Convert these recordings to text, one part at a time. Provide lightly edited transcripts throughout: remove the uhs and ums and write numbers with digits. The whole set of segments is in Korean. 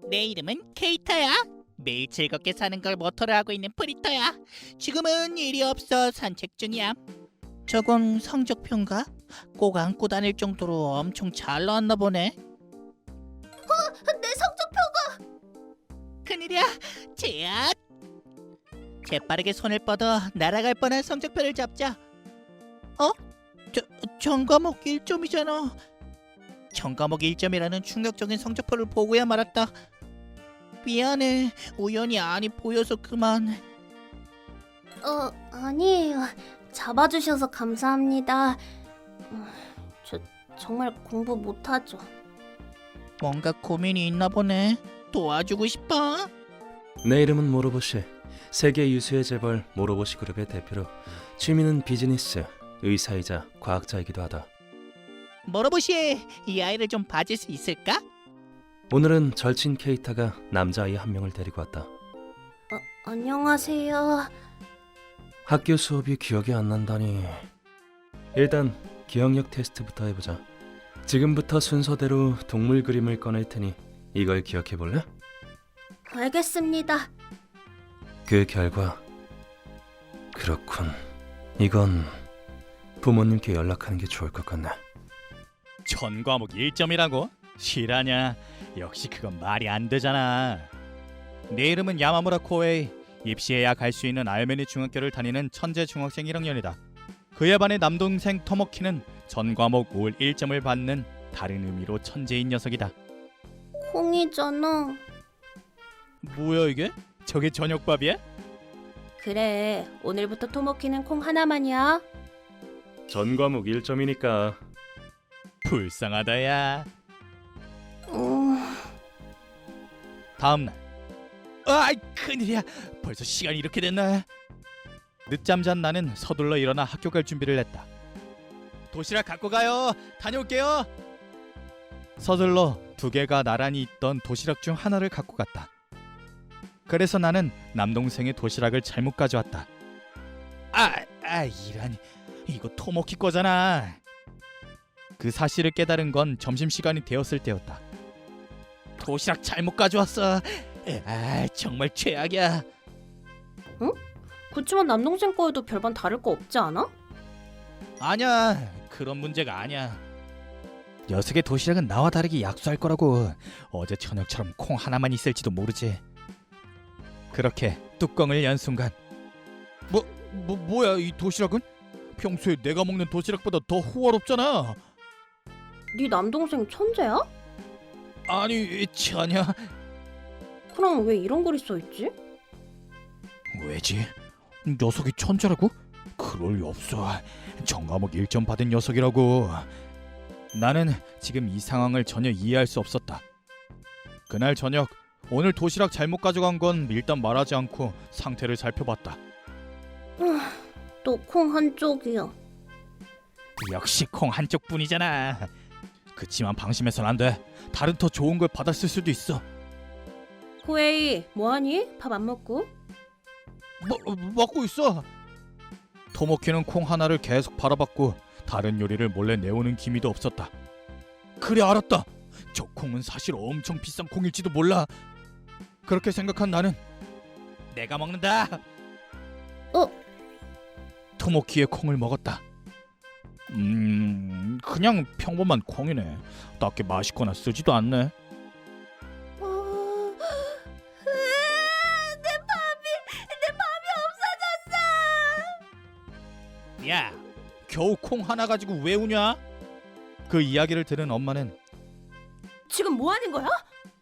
내 이름은 케이타야. 매일 즐겁게 사는 걸 모토로 하고 있는 프리터야. 지금은 일이 없어 산책 중이야. 저건 성적표인가? 꼭 안고 다닐 정도로 엄청 잘 나왔나 보네. 내 성적표. 큰일이야. 제앗. 재빠르게 손을 뻗어 날아갈 뻔한 성적표를 잡자. 전과목 1점이잖아. 전과목 1점이라는 충격적인 성적표를 보고야 말았다. 미안해. 우연히 안이 보여서 그만. 아니에요. 잡아주셔서 감사합니다. 저 정말 공부 못하죠. 뭔가 고민이 있나 보네. 도와주고 싶어? 내 이름은 모로보시. 세계 유수의 재벌 모로보시 그룹의 대표로 취미는 비즈니스, 의사이자 과학자이기도 하다. 모로보시, 이 아이를 좀 봐줄 수 있을까? 오늘은 절친 케이타가 남자아이 한 명을 데리고 왔다. 안녕하세요. 학교 수업이 기억이 안 난다니. 일단 기억력 테스트부터 해보자. 지금부터 순서대로 동물 그림을 꺼낼 테니 이걸 기억해 볼래? 알겠습니다. 그 결과 그렇군. 이건 부모님께 연락하는 게 좋을 것 같네. 전과목 1점이라고? 실하냐? 역시 그건 말이 안 되잖아. 내 이름은 야마무라 코에이. 입시해야 갈 수 있는 알메니 중학교를 다니는 천재 중학생 1학년이다. 그에 반해 남동생 토모키는 전과목 올 1점을 받는 다른 의미로 천재인 녀석이다. 콩이잖아. 뭐야 이게? 저게 저녁밥이야? 그래, 오늘부터 토모키는 콩 하나만이야. 전과목 1점이니까. 불쌍하다 야. 다음날. 아이 큰일이야. 벌써 시간이 이렇게 됐나? 늦잠 잔 나는 서둘러 일어나 학교 갈 준비를 했다. 도시락 갖고 가요. 다녀올게요. 서둘러 두 개가 나란히 있던 도시락 중 하나를 갖고 갔다. 그래서 나는 남동생의 도시락을 잘못 가져왔다. 이런, 이거 토모키 거잖아. 그 사실을 깨달은 건 점심시간이 되었을 때였다. 도시락 잘못 가져왔어. 정말 최악이야. 그치만 남동생 거에도 별반 다를 거 없지 않아? 아니야, 그런 문제가 아니야. 녀석의 도시락은 나와 다르게 약수할 거라고. 어제 저녁처럼 콩 하나만 있을지도 모르지. 그렇게 뚜껑을 연 순간, 뭐야 이 도시락은? 평소에 내가 먹는 도시락보다 더 호화롭잖아. 네 남동생 천재야? 아니 전혀. 그럼 왜 이런 글이 써있지? 왜지? 녀석이 천재라고? 그럴 리 없어. 전과목 1점 받은 녀석이라고. 나는 지금 이 상황을 전혀 이해할 수 없었다. 그날 저녁, 오늘 도시락 잘못 가져간 건 일단 말하지 않고 상태를 살펴봤다. 또 콩 한쪽이야. 역시 콩 한쪽뿐이잖아. 그치만 방심해선 안 돼. 다른 더 좋은 걸 받았을 수도 있어. 코에이, 뭐하니? 밥 안 먹고? 먹고 있어. 토모키는 콩 하나를 계속 바라봤고 다른 요리를 몰래 내오는 기미도 없었다. 그래 알았다. 저 콩은 사실 엄청 비싼 콩일지도 몰라. 그렇게 생각한 나는 내가 먹는다. 토모키의 콩을 먹었다. 그냥 평범한 콩이네. 딱히 맛있거나 쓰지도 않네. 내 밥이 없어졌어. 야, 겨우 콩 하나 가지고 왜 우냐? 그 이야기를 들은 엄마는 지금 뭐 하는 거야?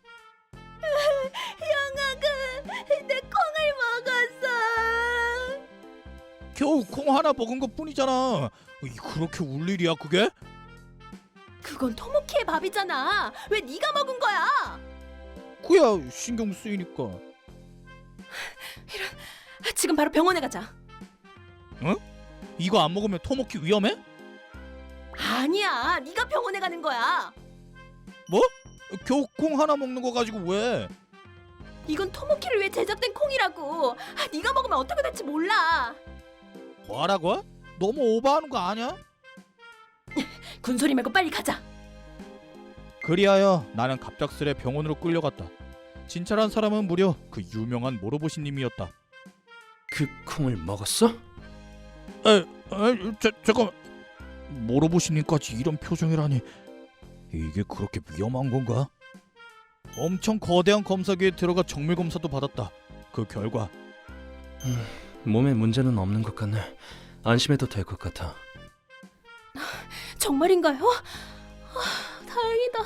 영아가 내 콩을 먹었어. 겨우 콩 하나 먹은 것 뿐이잖아. 그렇게 울 일이야 그게? 그건 토모키의 밥이잖아. 왜 네가 먹은 거야? 그야 신경 쓰이니까. 지금 바로 병원에 가자. 이거 안 먹으면 토모키 위험해? 아니야, 네가 병원에 가는 거야. 뭐? 겨우 콩 하나 먹는 거 가지고 왜? 이건 토모키를 위해 제작된 콩이라고. 네가 먹으면 어떻게 될지 몰라. 뭐라고? 너무 오버하는 거 아니야? 군소리 말고 빨리 가자. 그리하여 나는 갑작스레 병원으로 끌려갔다. 진찰한 사람은 무려 그 유명한 모로보시님이었다. 그 콩을 먹었어? 잠깐. 모로보시님까지 이런 표정이라니. 이게 그렇게 위험한 건가? 엄청 거대한 검사기에 들어가 정밀 검사도 받았다. 그 결과 몸에 문제는 없는 것 같네. 안심해도 될 것 같아. 정말인가요? 다행이다.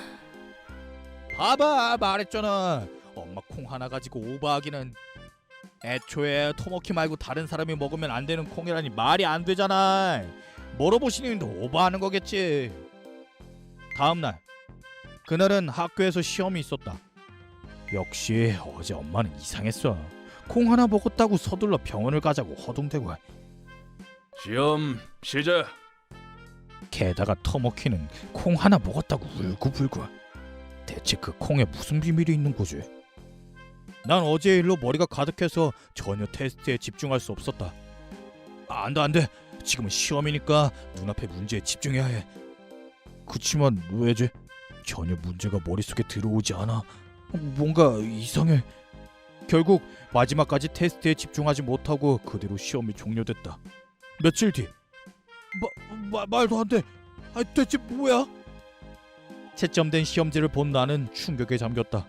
봐봐, 말했잖아. 엄마 콩 하나 가지고 오버하기는. 애초에 토모키 말고 다른 사람이 먹으면 안 되는 콩이라니 말이 안 되잖아. 모로보시님도 오버하는 거겠지. 다음 날, 그날은 학교에서 시험이 있었다. 역시 어제 엄마는 이상했어. 콩 하나 먹었다고 서둘러 병원을 가자고 허둥대고. 시험 시작. 게다가 토모키는 콩 하나 먹었다고 울고불고. 대체 그 콩에 무슨 비밀이 있는 거지? 난 어제 일로 머리가 가득해서 전혀 테스트에 집중할 수 없었다. 안돼. 지금은 시험이니까 눈앞의 문제에 집중해야 해. 그치만 왜지? 전혀 문제가 머릿속에 들어오지 않아. 뭔가 이상해. 결국 마지막까지 테스트에 집중하지 못하고 그대로 시험이 종료됐다. 며칠 뒤. 말도 안 돼. 대체 뭐야? 채점된 시험지를 본 나는 충격에 잠겼다.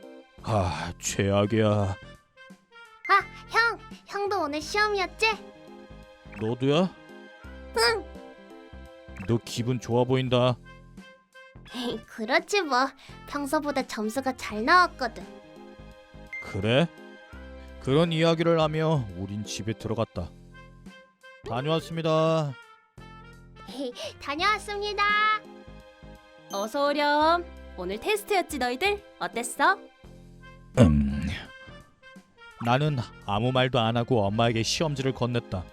최악이야. 형도 오늘 시험이었지? 너도야? 응. 너 기분 좋아 보인다. 그렇지 뭐. 평소보다 점수가 잘 나왔거든. 그래? 그런 이야기를 하며 우린 집에 들어갔다. 다녀왔습니다. 다녀왔습니다. 어서 오렴. 오늘 테스트였지 너희들? 어땠어? 나는 아무 말도 안 하고 엄마에게 시험지를 건넸다.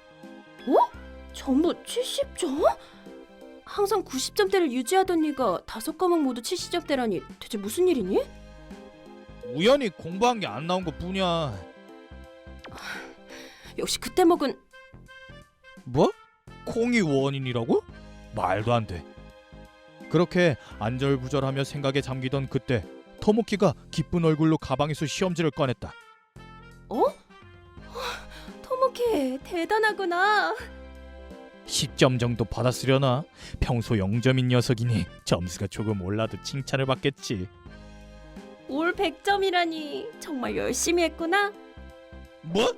전부 70점? 항상 90점대를 유지하던 네가 5과목 모두 70점대라니 대체 무슨 일이니? 우연히 공부한 게 안 나온 것 뿐이야. 역시 그때 먹은 뭐? 콩이 원인이라고? 말도 안 돼. 그렇게 안절부절하며 생각에 잠기던 그때 토모키가 기쁜 얼굴로 가방에서 시험지를 꺼냈다. 토모키 대단하구나. 10점 정도 받았으려나? 평소 0점인 녀석이니 점수가 조금 올라도 칭찬을 받겠지. 올 100점이라니 정말 열심히 했구나. 뭐?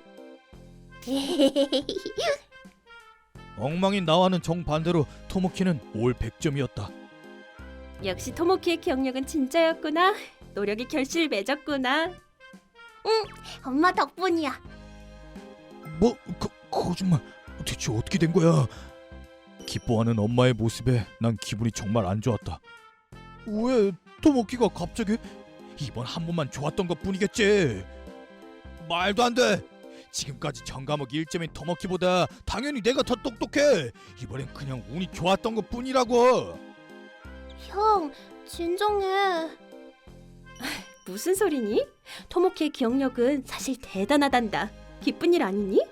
엉망인 나와는 정반대로 토모키는 올 100점이었다. 역시 토모키의 기억력은 진짜였구나. 노력이 결실을 맺었구나. 엄마 덕분이야. 뭐? 거짓말. 대체 어떻게 된 거야? 기뻐하는 엄마의 모습에 난 기분이 정말 안 좋았다. 왜 토모키가 갑자기? 이번 한 번만 좋았던 것뿐이겠지. 말도 안 돼. 지금까지 전 과목 1점인 토모키보다 당연히 내가 더 똑똑해. 이번엔 그냥 운이 좋았던 것뿐이라고. 형, 진정해. 무슨 소리니? 토모키의 기억력은 사실 대단하단다. 기쁜 일 아니니?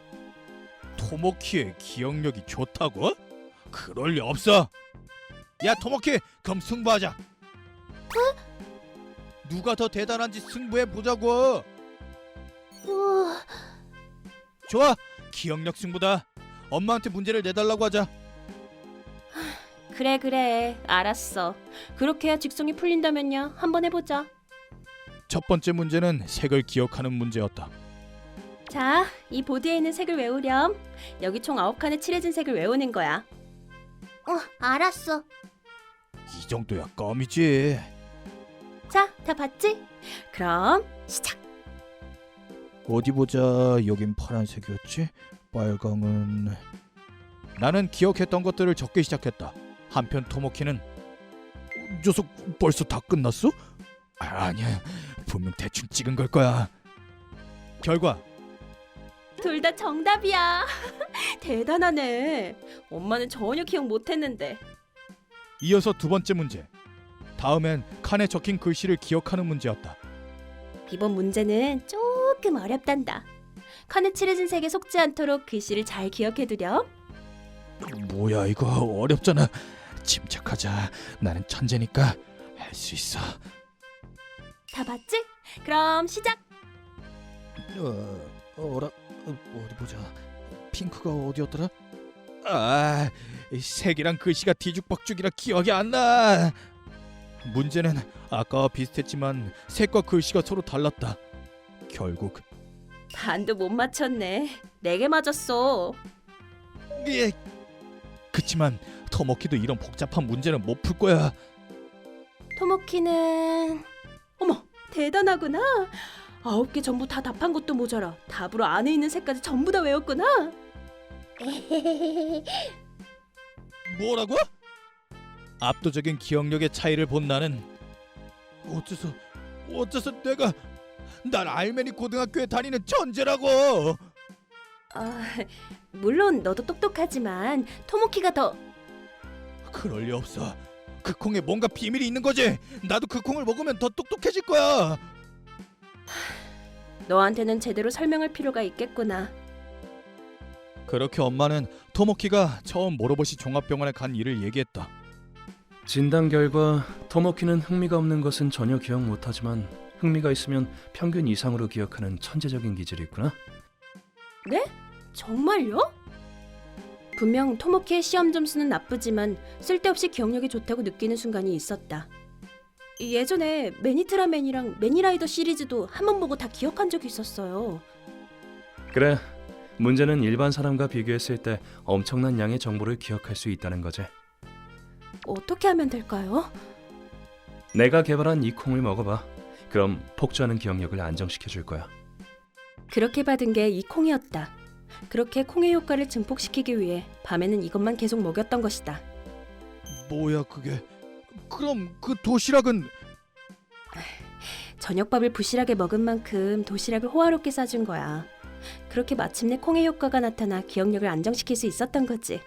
토모키의 기억력이 좋다고? 그럴 리 없어. 야 토모키, 그럼 승부하자. 누가 더 대단한지 승부해 보자고. 좋아, 기억력 승부다. 엄마한테 문제를 내달라고 하자. 그래 알았어. 그렇게 해야 직성이 풀린다면야 한번 해보자. 첫 번째 문제는 색을 기억하는 문제였다. 자, 이 보드에 있는 색을 외우렴. 여기 총 9칸의 칠해진 색을 외우는 거야. 알았어. 이 정도야 껌이지. 자, 다 봤지? 그럼 시작. 어디 보자. 여긴 파란색이었지. 빨강은... 나는 기억했던 것들을 적기 시작했다. 한편 토모키는 녀석 벌써 다 끝났어? 아니야, 분명 대충 찍은 걸 거야. 결과 둘 다 정답이야. 대단하네. 엄마는 전혀 기억 못했는데. 이어서 두 번째 문제. 다음엔 칸에 적힌 글씨를 기억하는 문제였다. 이번 문제는 조금 어렵단다. 칸에 칠해진 색에 속지 않도록 글씨를 잘 기억해두렴. 뭐야 이거 어렵잖아. 침착하자. 나는 천재니까 할 수 있어. 다 봤지? 그럼 시작. 어디 보자. 핑크가 어디였더라? 아, 이 색이랑 글씨가 뒤죽박죽이라 기억이 안 나. 문제는 아까와 비슷했지만 색과 글씨가 서로 달랐다. 결국 반도 못 맞췄네. 4개 맞았어. 예. 그치만 터머키도 이런 복잡한 문제는 못 풀 거야. 토모키는 어머 대단하구나. 9개 전부 다 답한 것도 모자라 답으로 안에 있는 색까지 전부 다 외웠구나. 뭐라고? 압도적인 기억력의 차이를 본 나는 어째서 내가 난 알메니 고등학교에 다니는 천재라고. 물론 너도 똑똑하지만 토모키가 더. 그럴 리 없어. 그 콩에 뭔가 비밀이 있는 거지. 나도 그 콩을 먹으면 더 똑똑해질 거야. 너한테는 제대로 설명할 필요가 있겠구나. 그렇게 엄마는 토모키가 처음 모로보시 종합병원에 간 일을 얘기했다. 진단 결과 토모키는 흥미가 없는 것은 전혀 기억 못하지만 흥미가 있으면 평균 이상으로 기억하는 천재적인 기질이 있구나. 네? 정말요? 분명 토모키의 시험 점수는 나쁘지만 쓸데없이 기억력이 좋다고 느끼는 순간이 있었다. 예전에 매니트라맨이랑 매니라이더 시리즈도 한 번 보고 다 기억한 적이 있었어요. 그래, 문제는 일반 사람과 비교했을 때 엄청난 양의 정보를 기억할 수 있다는 거지. 어떻게 하면 될까요? 내가 개발한 이 콩을 먹어봐. 그럼 폭주하는 기억력을 안정시켜 줄 거야. 그렇게 받은 게 이 콩이었다. 그렇게 콩의 효과를 증폭시키기 위해 밤에는 이것만 계속 먹였던 것이다. 뭐야 그게? 그럼 그 도시락은? 저녁밥을 부실하게 먹은 만큼 도시락을 호화롭게 싸준 거야. 그렇게 마침내 콩의 효과가 나타나 기억력을 안정시킬 수 있었던 거지.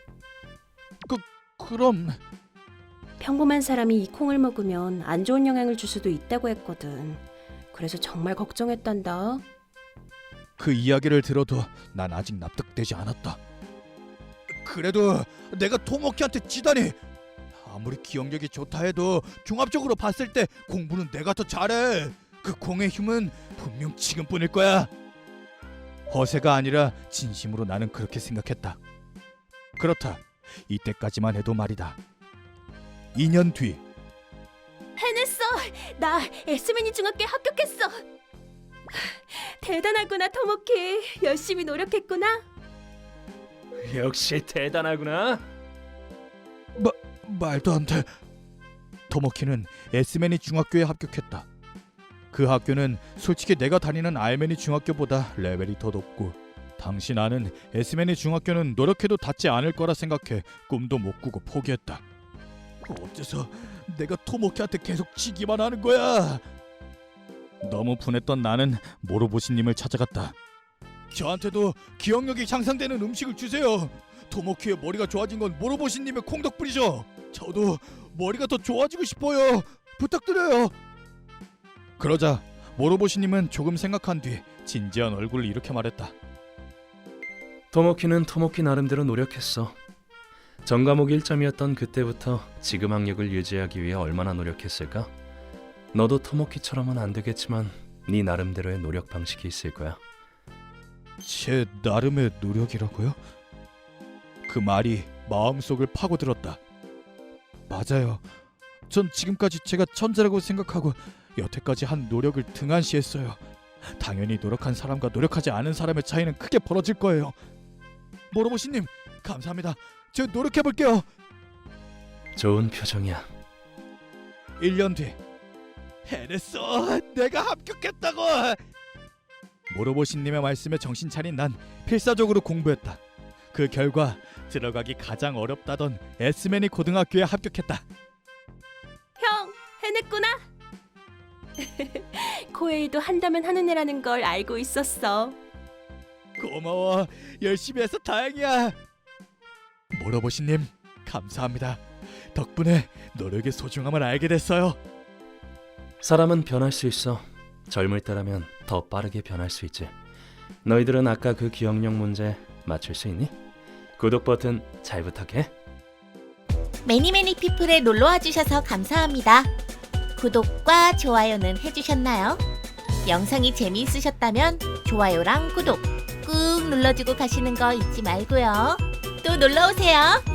그럼 평범한 사람이 이 콩을 먹으면 안 좋은 영향을 줄 수도 있다고 했거든. 그래서 정말 걱정했단다. 그 이야기를 들어도 난 아직 납득되지 않았다. 그래도 내가 토모키한테 지다니. 아무리 기억력이 좋다 해도 종합적으로 봤을 때 공부는 내가 더 잘해. 그 콩의 힘은 분명 지금뿐일 거야. 허세가 아니라 진심으로 나는 그렇게 생각했다. 그렇다. 이때까지만 해도 말이다. 2년 뒤 해냈어! 나 에스미니 중학교에 합격했어! 대단하구나 토모키. 열심히 노력했구나. 역시 대단하구나. 말도 안 돼. 토모키는 에스메니 중학교에 합격했다. 그 학교는 솔직히 내가 다니는 알메니 중학교보다 레벨이 더 높고 당시 나는 에스메니 중학교는 노력해도 닿지 않을 거라 생각해 꿈도 못 꾸고 포기했다. 어째서 내가 토모키한테 계속 지기만 하는 거야? 너무 분했던 나는 모로보시님을 찾아갔다. 저한테도 기억력이 향상되는 음식을 주세요. 토모키의 머리가 좋아진 건 모로보시님의 콩 덕분이죠. 저도 머리가 더 좋아지고 싶어요. 부탁드려요. 그러자 모로보시님은 조금 생각한 뒤 진지한 얼굴을 이렇게 말했다. 토모키는 토모키 나름대로 노력했어. 전 과목 1점이었던 그때부터 지금 학력을 유지하기 위해 얼마나 노력했을까? 너도 토모키처럼은 안 되겠지만 네 나름대로의 노력 방식이 있을 거야. 제 나름의 노력이라고요? 그 말이 마음속을 파고들었다. 맞아요. 전 지금까지 제가 천재라고 생각하고 여태까지 한 노력을 등한시했어요. 당연히 노력한 사람과 노력하지 않은 사람의 차이는 크게 벌어질 거예요. 모로보시님 감사합니다. 제가 노력해볼게요. 좋은 표정이야. 1년 뒤 해냈어. 내가 합격했다고. 모로보시님의 말씀에 정신 차린 난 필사적으로 공부했다. 그 결과 들어가기 가장 어렵다던 에스메니 고등학교에 합격했다. 형, 해냈구나. 코에이도 한다면 하는 애라는 걸 알고 있었어. 고마워. 열심히 해서 다행이야. 모로보시님 감사합니다. 덕분에 노력의 소중함을 알게 됐어요. 사람은 변할 수 있어. 젊을 때라면 더 빠르게 변할 수 있지. 너희들은 아까 그 기억력 문제 맞출 수 있니? 구독 버튼 잘 부탁해. 매니매니 피플에 놀러와 주셔서 감사합니다. 구독과 좋아요는 해주셨나요? 영상이 재미있으셨다면 좋아요랑 구독 꾹 눌러주고 가시는 거 잊지 말고요. 또 놀러오세요.